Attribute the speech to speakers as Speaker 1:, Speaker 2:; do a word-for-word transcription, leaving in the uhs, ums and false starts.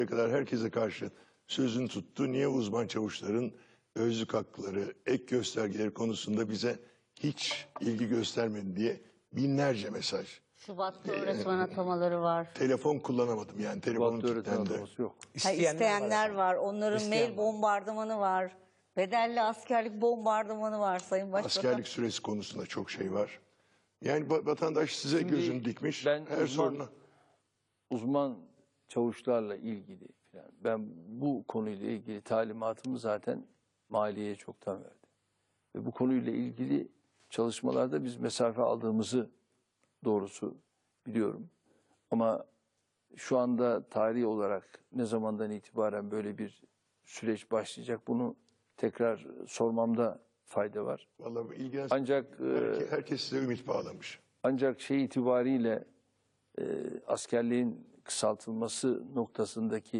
Speaker 1: kadar herkese karşı sözünü tuttu. Niye uzman çavuşların özlük hakları, ek göstergeleri konusunda bize hiç ilgi göstermedi diye binlerce mesaj.
Speaker 2: Şubat'ta öğretmen atamaları var.
Speaker 1: Telefon kullanamadım yani telefonum
Speaker 3: Şubat'ta öğretmen
Speaker 1: kilitlendi.
Speaker 3: ataması yok.
Speaker 2: Ha, isteyenler
Speaker 4: var.
Speaker 2: var. Onların
Speaker 4: İsteyen
Speaker 2: mail
Speaker 4: var.
Speaker 2: bombardımanı var. Bedelli askerlik bombardımanı var Sayın Başbakan.
Speaker 1: Askerlik süresi konusunda çok şey var. Yani va- vatandaş size
Speaker 3: Şimdi
Speaker 1: gözünü dikmiş.
Speaker 3: ben
Speaker 1: her
Speaker 3: uzman-
Speaker 1: soruna.
Speaker 3: Uzman çavuşlarla ilgili falan. Ben bu konuyla ilgili talimatımı zaten maliyeye çoktan verdim. Ve bu konuyla ilgili çalışmalarda biz mesafe aldığımızı doğrusu biliyorum. Ama şu anda tarihi olarak ne zamandan itibaren böyle bir süreç başlayacak bunu tekrar sormamda fayda var.
Speaker 1: Vallahi ilgilen.
Speaker 3: Ancak e,
Speaker 1: Herke- herkes size ümit bağlamış.
Speaker 3: ancak şey itibariyle e, askerliğin kısaltılması noktasındaki